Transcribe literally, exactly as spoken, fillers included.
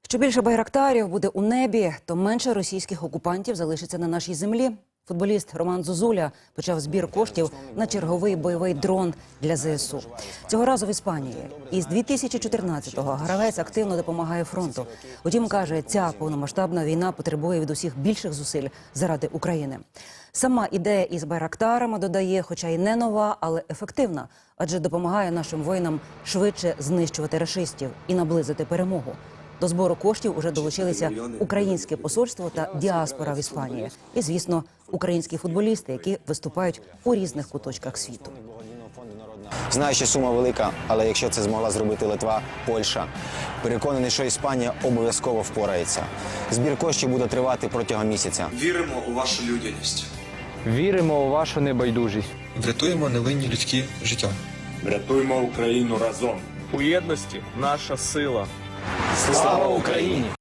Що більше байрактарів буде у небі, то менше російських окупантів залишиться на нашій землі. Футболіст Роман Зозуля почав збір коштів на черговий бойовий дрон для зе ес у. Цього разу в Іспанії. Із дві тисячі чотирнадцятого гравець активно допомагає фронту. Утім, каже, ця повномасштабна війна потребує від усіх більших зусиль заради України. Сама ідея із байрактарами, додає, хоча й не нова, але ефективна, адже допомагає нашим воїнам швидше знищувати рашистів і наблизити перемогу. До збору коштів уже долучилися українське посольство та діаспора в Іспанії. І, звісно, українські футболісти, які виступають у різних куточках світу. Знаю, що сума велика, але якщо це змогла зробити Литва, Польща, переконаний, що Іспанія обов'язково впорається. Збір коштів буде тривати протягом місяця. Віримо у вашу людяність. Віримо у вашу небайдужість. Врятуємо невинні людські життя. Врятуймо Україну разом. У єдності наша сила. Слава Україні!